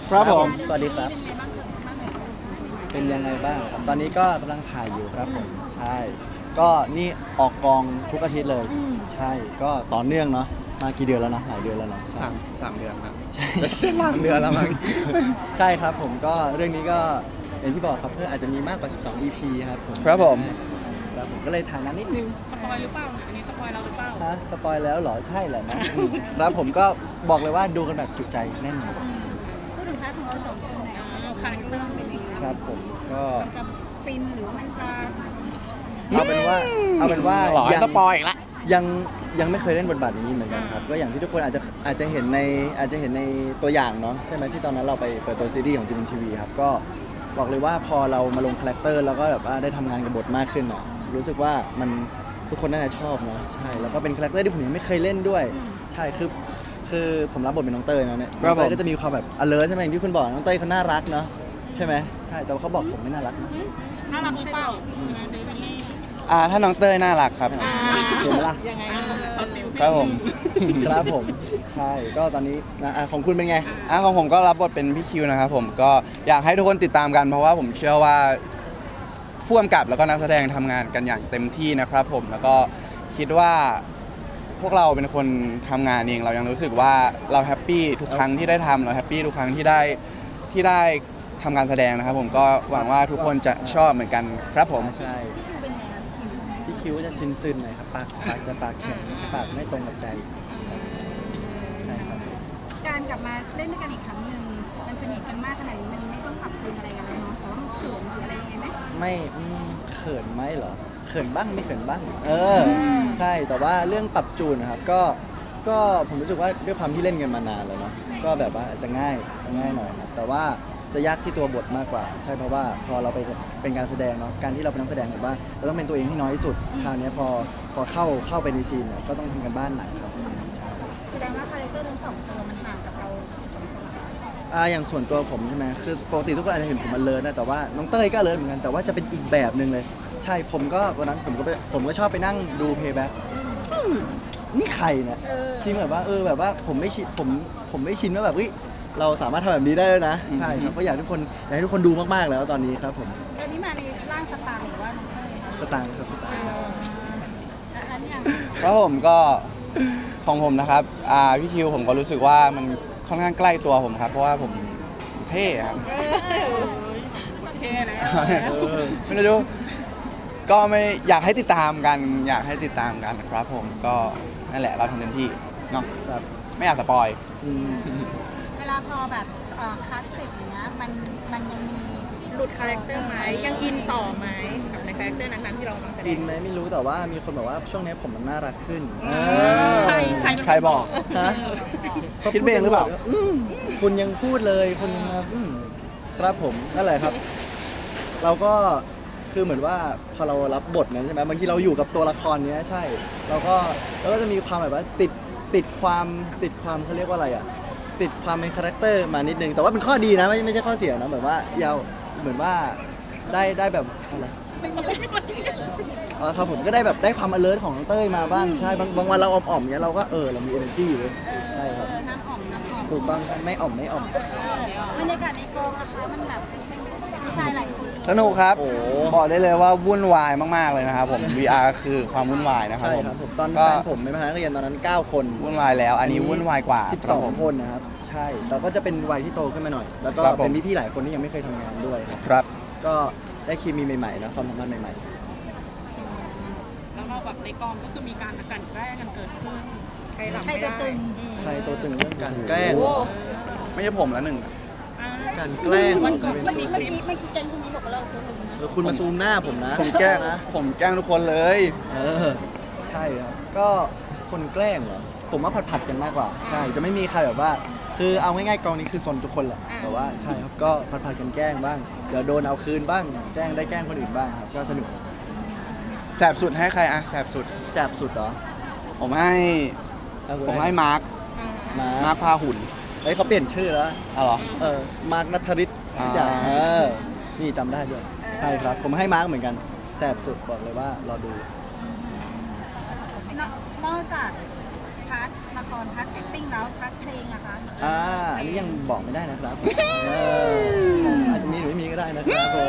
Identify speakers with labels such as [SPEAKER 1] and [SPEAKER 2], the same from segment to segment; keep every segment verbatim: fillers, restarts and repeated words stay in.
[SPEAKER 1] ครับผม
[SPEAKER 2] สวัสดีครับเป็นยังไงบ้างครับตอนนี้ก็กำลังถ่ายอยู่ครับผมใช่ก็นี่ออกกองทุกอาทิตย์เลย ใช่ก็ต่อเนื่องเนาะมากี่เดือนแล้วนะหลายเดือนแล้วเนาะใช่
[SPEAKER 1] สามสามเดือนครับ
[SPEAKER 2] ใช่
[SPEAKER 1] จะสามเดือนแล้วมั้ง
[SPEAKER 2] ใช่ครับผมก็เรื่องนี้ก็อย่างที่บอกครับเพื่อนอาจจะมีมากกว่าสิบสอง อี พี ครับผม
[SPEAKER 1] ครับผม
[SPEAKER 2] ครับผมก็เลยถ่ายนานนิดนึง
[SPEAKER 3] สปอยหรือเปล่าอันนี้สปอยเราหรือเปล่า
[SPEAKER 2] ฮะสปอยแล้วเหรอใช่แหละนะอืมครับผมก็บอกเลยว่าดูกันแบบจุใจแน่นอน
[SPEAKER 4] พูดถึงพาร์ทของเราสองคนหน่อย
[SPEAKER 3] เราคาแรคเตอร์เป็นยังไง
[SPEAKER 2] ครับผมก็
[SPEAKER 4] มันจะฟินหรือว่ามันจะ
[SPEAKER 2] เอาเป็นว่าเอาเป็นว่า
[SPEAKER 1] หรอ
[SPEAKER 2] ยั
[SPEAKER 1] สปอยอีกละ
[SPEAKER 2] ยังยังไม่เคยเล่นบทบาทอย่างนี้เหมือนกันครับก็อย่างที่ทุกคนอาจจะอาจจะเห็นในอาจจะเห็นในตัวอย่างเนาะใช่ไหมที่ตอนนั้นเราไปเปิดตัวซีรีส์ของจิมทีวีครับก็บอกเลยว่าพอเรามาลงคาแรคเตอร์แล้วก็แบบว่าได้ทำงานกับบทมากขึ้นอ่ะรู้สึกว่ามันทุกคนน่าจะชอบเนาะใช่แล้วก็เป็นคาแรคเตอร์ที่ผมยังไม่เคยเล่นด้วยใช่คือคือผมรับบทเป็นน้องเต้ยนะเนี่ยน้องเต้ยก็จะมีความแบบ alert ใช่ไหมอย่างที่คุณบอกน้องเต้ยเขาน่ารักเนาะใช่ไหมใช่แต่ว่าเขาบอกผมไม่น่ารักนะ
[SPEAKER 3] น่ารักหรือเปล่าเดวิลลี่
[SPEAKER 1] อ่าถ้าน้องเต้ยน่ารักครับ
[SPEAKER 2] เห็นไหมล่ะ
[SPEAKER 3] ยังไงช็อตฟิล
[SPEAKER 1] ครับผม
[SPEAKER 2] ครับผมใช่ก็ตอนนี้นะอ่ะของคุณเป็นไง
[SPEAKER 1] อ่ะของผมก็รับบทเป็นพี่คิวนะครับผมก็อยากให้ทุกคนติดตามกันเพราะว่าผมเชื่อว่าผู้กำกับแล้วก็นักแสดงทำงานกันอย่างเต็มที่นะครับผมแล้วก็คิดว่าพวกเราเป็นคนทำงานเองเรายังรู้สึกว่าเราแฮปปี้ทุกครั้งที่ได้ทำเราแฮปปี้ทุกครั้งที่ได้ที่ได้ทำการแสดงนะครับผมก็หวังว่าทุกคนจะชอบเหมือนกันครับผม
[SPEAKER 2] ใช่
[SPEAKER 4] พี่คิวเป็นไงคะพี่คิว
[SPEAKER 2] พี่คิ้วจะซึนๆหน่อยครับปากปากจะปากแข็งปากไม่ตรงกับใจใช่ครับ
[SPEAKER 4] การกลับมาเล่นด้วยกันอีกครั้งหนึ่งมันสนิทกันมากขนาดนี้มันไม่ต้องปรับจูนอะไรกันแล้วเนาะแต่ว่ามันเขินหรืออะไรยังไงไหม
[SPEAKER 2] ไม่อืมเขินไหมเหรอเขินบ้างไม่เขินบ้างเออใช่แต่ว่าเรื่องปรับจูนนะครับก็ก็ผมรู้สึกว่าด้วยความที่เล่นกันมานานแล้วเนาะก็แบบว่าจะง่ายจะง่ายหน่อยครับแต่ว่าจะยากที่ตัวบทมากกว่า ใช่เพราะว่าพอเราไปเป็นการแสดงเนาะการที่เราเป็นนักแสดงแบบว่าเราต้องเป็นตัวเองให้น้อยที่สุดคราวเนี้ยพอพอเข้าเข้าไปในซีนเนี่ยก็ต้องทำกันบ้านหนักครับใช่
[SPEAKER 4] แสดงว่าคาแรคเตอร์ทั้งสองตัวมันห่างกับเราสองคนเหรอคะ
[SPEAKER 2] อ่าอย่างส่วนตัวผมใช่ไหมคือปกติทุกคนอาจจะเห็นผมมันเลิศนะแต่ว่าน้องเต้ยก็เลิศเหมือนกันแต่ว่าจะเป็นอีกแบบหนึ่งเลย ใช่ผมก็วันนั้นผมก็ไปผมก็ชอบไปนั่งดูเพย์แบ็กนี่ใครเนี่ยจริงแบบว่าเออแบบว่าผมไม่ชินผมผมไม่ชินว่าแบบเฮ้ยเราสามารถทำแบบนี้ได้แล้วนะใช่ครับก็อยากให้ทุกคนอยากให้ทุกคนดูมากๆแล้วตอนนี้ครับผม
[SPEAKER 4] ตอนนี้มาในร่างสตางค์หรือว่าน้องเต้ยคะ
[SPEAKER 2] สตางค์ครับสตางค์
[SPEAKER 4] แล้วอันนี้ยัง
[SPEAKER 1] ครับผมก็ของผมนะครับอ่าพี่คิวผมก็รู้สึกว่ามันค่อนข้างใกล้ตัวผมครับ เพราะว่าผมเท่ครับ
[SPEAKER 3] โอเคแล้ว
[SPEAKER 2] เออ
[SPEAKER 1] ไม่รู้ก็ไม่อยากให้ติดตามกัน อยากให้ติดตามกันครับผมก็นั่นแหละเราทำเต็มที่เนาะ
[SPEAKER 2] แบบ
[SPEAKER 1] ไม่อยากสปอย
[SPEAKER 2] อืม
[SPEAKER 4] เวลาพอแบบเอ่อคัดเสร็จอย่างเงี้ยมันมันยังมี
[SPEAKER 3] หลุดคาแรคเตอร์ไหมยังอินต่อไหมกับในคาแรคเตอร์นั้นๆที่เรากำลังแสด
[SPEAKER 2] อิ
[SPEAKER 3] ง
[SPEAKER 2] นไหมไม่รู้แต่ว่ามีคนบอกว่าช่วงนี้ผมมันน่ารักขึ้นเออ
[SPEAKER 3] ใครใครเป็นน
[SPEAKER 1] ใครบอก
[SPEAKER 2] ฮะ
[SPEAKER 1] คิดเองหรือเปล่า
[SPEAKER 2] อืมคุณยังพูดเลยคุณยังมาอืมครับผมนั่นแหละครับ เราก็คือเหมือนว่าพอเรารับบทนั้นใช่ไหมบางทีเราอยู่กับตัวละครเนี้ยใช่ เราก็เราก็จะมีความแบบว่าติดติดความติดความเขาเรียกว่าอะไรอ่ะติดความเป็นคาแรคเตอร์มานิดนึงแต่ว่าเป็นข้อดีนะไม่ไม่ใช่ข้อเสียนะแบบว่ายาวเหมือนว่าได้ได้แบบอะไรอ๋อครับผมก็ได้แบบได้ความ alert ของน้องเต้ยมาบ้างใช่บางบางวันเราอ่อมๆเงี้ยเราก็เออเรามี energy อยู่เลยใช่ครับ
[SPEAKER 4] เออน้ำอ่อมน้ำอ่อม
[SPEAKER 2] ถูกต้องครับไม่อ่อมไม่อ่อม
[SPEAKER 4] บรรยากาศในกองนะคะมันแบบผู้ชายหลายคนเลย
[SPEAKER 1] สนุกครับ
[SPEAKER 2] โอ้
[SPEAKER 1] บอกได้เลยว่าวุ่นวายมากๆเลยนะครับผม วี อาร์ คือความวุ่นวายนะครับ
[SPEAKER 2] ใช่
[SPEAKER 1] ผม
[SPEAKER 2] ครับผมตอน
[SPEAKER 1] ก็
[SPEAKER 2] แฟนผมเป็นพนักเรียนตอนนั้นเก้าคน
[SPEAKER 1] วุ่นวายแล้ว อันนี้วุ่นวายกว่า
[SPEAKER 2] สิบ
[SPEAKER 1] ค
[SPEAKER 2] ส
[SPEAKER 1] รั
[SPEAKER 2] อบ ง
[SPEAKER 1] ผม
[SPEAKER 2] คนนะครับใช่แต่ก็จะเป็นวัยที่โตขึ้นมาหน่อย แล้วก็
[SPEAKER 1] ครับผม
[SPEAKER 2] เป็นพี่ๆหลายคนที่ยังไม่เคยทำงานด้วยครับ
[SPEAKER 1] ครับ
[SPEAKER 2] ก็ได้เคมีใหม่ๆนะความสัมพันธ์ใหม่
[SPEAKER 3] แล้วเราแบบในกองก็คือมีการกลั่นแกล้งกันเกิดขึ้นใครหลับ
[SPEAKER 4] ใคร
[SPEAKER 3] ไม่
[SPEAKER 4] จะ
[SPEAKER 3] ได้
[SPEAKER 4] ตึง
[SPEAKER 2] ๆ ใครตัวตึงเรื่องการแกล้ง
[SPEAKER 1] ไม่ใช่ผมแล้วหนึ่ง
[SPEAKER 3] อ่า
[SPEAKER 2] การแกล้ง
[SPEAKER 3] วันก่อน
[SPEAKER 2] เป็น
[SPEAKER 4] เมื่อ
[SPEAKER 2] ตัว
[SPEAKER 4] กี้เมื่อกี้เมื่อกี้แกงคนนี้บอกว่าเราตัวตึงนะ
[SPEAKER 2] เออคุณมาซูมหน้าผมนะ
[SPEAKER 1] ผมแกล้ง
[SPEAKER 2] นะ
[SPEAKER 1] ผมแกล้งทุกคนเลย
[SPEAKER 2] เออใช่ครับก็คนแกล้งเหรอผมว่าผัดๆกันมากกว่าใช่จะไม่มีใครแบบว่า คือเอาง่ายๆกองนี้คือซนทุกคนแหละแต่ว่าใช่ครับก็ผัดๆกันแกล้งบ้างเดี๋ยวโดนเอาคืนบ้างแกล้งได้แกล้งคนอื่นบ้างครับก็สนุก
[SPEAKER 1] แสบสุดให้ใครอะแสบสุด
[SPEAKER 2] แสบสุดเหรอ
[SPEAKER 1] ผมให้
[SPEAKER 2] เอาคุณ
[SPEAKER 1] ผมให้มาร์ค
[SPEAKER 2] มา
[SPEAKER 1] มาร์คพาหุ่น
[SPEAKER 2] เฮ้ยเขาเปลี่ยนชื่อแล้ว
[SPEAKER 1] เอาเหรอ
[SPEAKER 2] เออมาร์คนัทริศ
[SPEAKER 1] อ่า
[SPEAKER 2] อย่างเออนี่จำได้ด้วยใช่ครับ ผมให้มาร์คเหมือนกันแสบสุดบอกเลยว่ารอดู
[SPEAKER 4] นอกนอกจากพาร์ทละครพาร์ทแอคติ้งแล้วพาร์ทเพลงอะคะ
[SPEAKER 2] อ่าอันนี้ยังบอกไม่ได้นะครับเอออาจจะมีหรือไม่มีก็ได้นะครับผม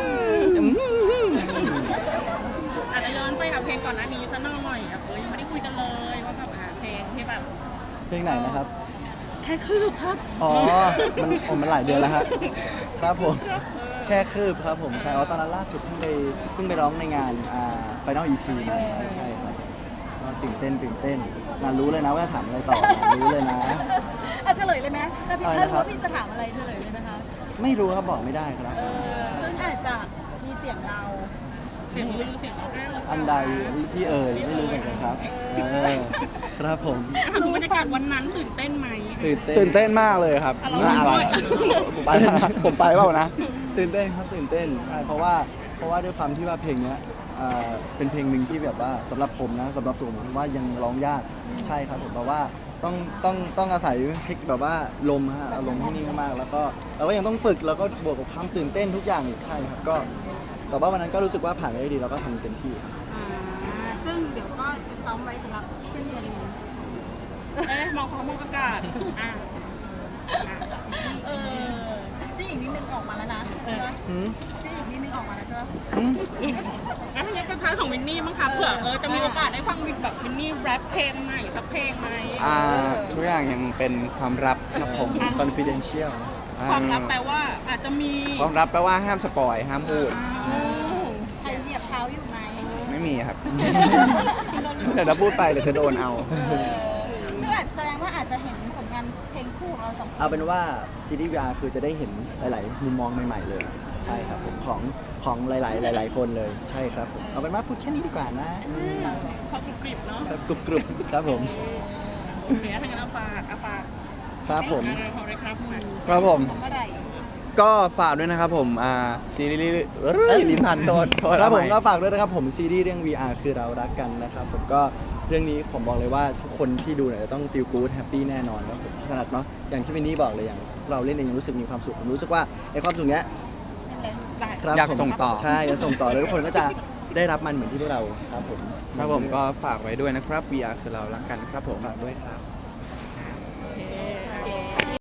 [SPEAKER 3] อาจจะย้อนไปกับเพลงก่อนหน้านี้ซะหน่อยอ่ะเอ้ยยังไม่ได้คุยกันเลยว่าแบบอ่ะเพลงที่แบบ
[SPEAKER 2] เพลงไหนนะครับ
[SPEAKER 3] แค่คืบครับ
[SPEAKER 2] อ๋อ มันผมมันหลายเดือนแล้วฮะครับผม แค่คืบครับผมใช่อ๋อตอนนั้นล่าสุดเพิ่งไปเพิ่งไปร้องในงานอ่า Final อี พี มาใช่ครับก็ตื่นเต้นตื่นเต้นนานรู้เลยนะว่าจะถามอะไรต่อนานรู้เลยนะ
[SPEAKER 4] อ่ะเฉลยเลยไหมถ้าพี่
[SPEAKER 2] อะไร
[SPEAKER 4] ถ้า
[SPEAKER 2] นะ
[SPEAKER 4] รู้
[SPEAKER 2] ครับ
[SPEAKER 4] ว่าพี่จะถามอะไรเฉลยเลยไหมคะ
[SPEAKER 2] ไม่รู้ครับบอกไม่ได้ครับ
[SPEAKER 4] ซึ่งอาจจะมีเสียงเรา
[SPEAKER 3] เสียงลือเสียงร้องไห้หรือเปล่า
[SPEAKER 2] อันใดพี่เอ่ยไม่รู้เหมือนกันครับเออครับผม
[SPEAKER 3] ถามถึงบรรยากาศวันนั้นตื่นเต้นไหม
[SPEAKER 2] ตื่นเต้น
[SPEAKER 1] ตื่นเต้นมากเลยครับ
[SPEAKER 3] อ่ะเรา
[SPEAKER 1] น่าอะไร
[SPEAKER 3] ด้วย
[SPEAKER 1] ผมไปผมไปเปล่านะ
[SPEAKER 2] ตื่นเต้นครับตื่นเต้นใช่เพราะว่าเพราะว่าด้วยความที่ว่าเพลงเนี้ยอ่าเป็นเพลงหนึ่งที่แบบว่าสำหรับผมนะสำหรับตัวผมว่ายังร้องยากใช่ครับผมเพราะว่าต้องต้องต้องอาศัยเทคแบบว่าลมฮะอารมณ์ที่นิ่งมากๆแล้วก็เราก็ยังต้องฝึกแล้วก็บวกกับความตื่นเต้นทุกอย่างอีกใช่ครับก็แต่ว่าวันนั้นก็รู้สึกว่าผ่านไปได้ดีเราก็ทำเต็มที่ครับ
[SPEAKER 4] อ่าซึ่งเดี๋ยวก็จะซ้อมไว้สำหรับสิ้นเดือนนี้
[SPEAKER 3] เอ๊ะมองฟ้ามองอากาศอ่ะอ่ะเออ
[SPEAKER 4] จี้อีกนิดนึงออกมาแล้วนะใช่ปะ
[SPEAKER 2] หืม
[SPEAKER 4] จี้อีกนิดนึงออกมาแล้วใช่ปะ
[SPEAKER 2] หืม
[SPEAKER 3] งั้นยังเป็นพาร์ทของวินนี่มั้งคะเผื่อเออจะมีโอกาสได้ฟังแบบวินนี่แรปเพลงใหม่สักเพลงไหม
[SPEAKER 1] อ่าทุกอย่างยังเป็นความลับครับผม
[SPEAKER 2] confidential
[SPEAKER 3] ความลับแปลว่าอาจจะมี
[SPEAKER 1] ความลับแปลว่าห้ามสปอยห้ามพูด
[SPEAKER 3] อ้าว
[SPEAKER 4] ใครเหยียบเท้าอยู่ไหม
[SPEAKER 1] ไม่มีครับ เดี๋ยวเราพูดไปเดี๋ยวจะโดนเอา
[SPEAKER 4] ซึ่งอาจแสดงว่าอาจจะเห็นผลงานเพลงคู่ของเราสองคน
[SPEAKER 2] เอาเป็นว่าซีรีส์ วี อาร์ คือจะได้เห็นหลาย ๆ มุมมองใหม่ ๆ เลย ใช่ครับผมของของหลาย ๆ หลาย ๆ คนเลยใช่ครับผมเอาเป็นว่าพูดแค่นี้ดีกว่านะ
[SPEAKER 3] พอกรุบกริบเนาะ
[SPEAKER 2] ครับกรุบกรุบครับผม
[SPEAKER 3] เดี๋ยวถ้างั้นเอาฝากเอาฝาก
[SPEAKER 2] ครับผม
[SPEAKER 3] อะไรพอเลยครับมา
[SPEAKER 1] ครับผม
[SPEAKER 4] เมื่อไหร่
[SPEAKER 1] ก็ฝากด้วยนะครับผมอ่าซีรีส์เอ้ยลิ้นพันโทษโทษ
[SPEAKER 2] ครับผม
[SPEAKER 1] ทำไ
[SPEAKER 2] ก็ฝากด้วยนะครับผมซีรีส์เรื่อง วี อาร์ คือเรารักกันนะครับผมก็เรื่องนี้ผมบอกเลยว่าทุกคนที่ดูเนี่ยจะต้อง feel good happy แน่นอนครับผมขนาดเนาะอย่างที่วินนี่บอกเลยอย่างเราเล่นเองยังรู้สึกมีความสุขผมรู้สึกว่าไอ้ความสุขเนี้ย
[SPEAKER 3] ได้
[SPEAKER 2] ครับ
[SPEAKER 1] อยาก
[SPEAKER 2] ผม
[SPEAKER 1] ส่งต่อ
[SPEAKER 2] ใช่จะส่งต่อแล้วทุกคนก็จะได้รับมันเหมือนที่พวกเราครับผม
[SPEAKER 1] ครับผมก็ฝากไว้ด้วยนะครับ วี อาร์ คือเรารักกันครับผม
[SPEAKER 2] ฝากด้วยครับ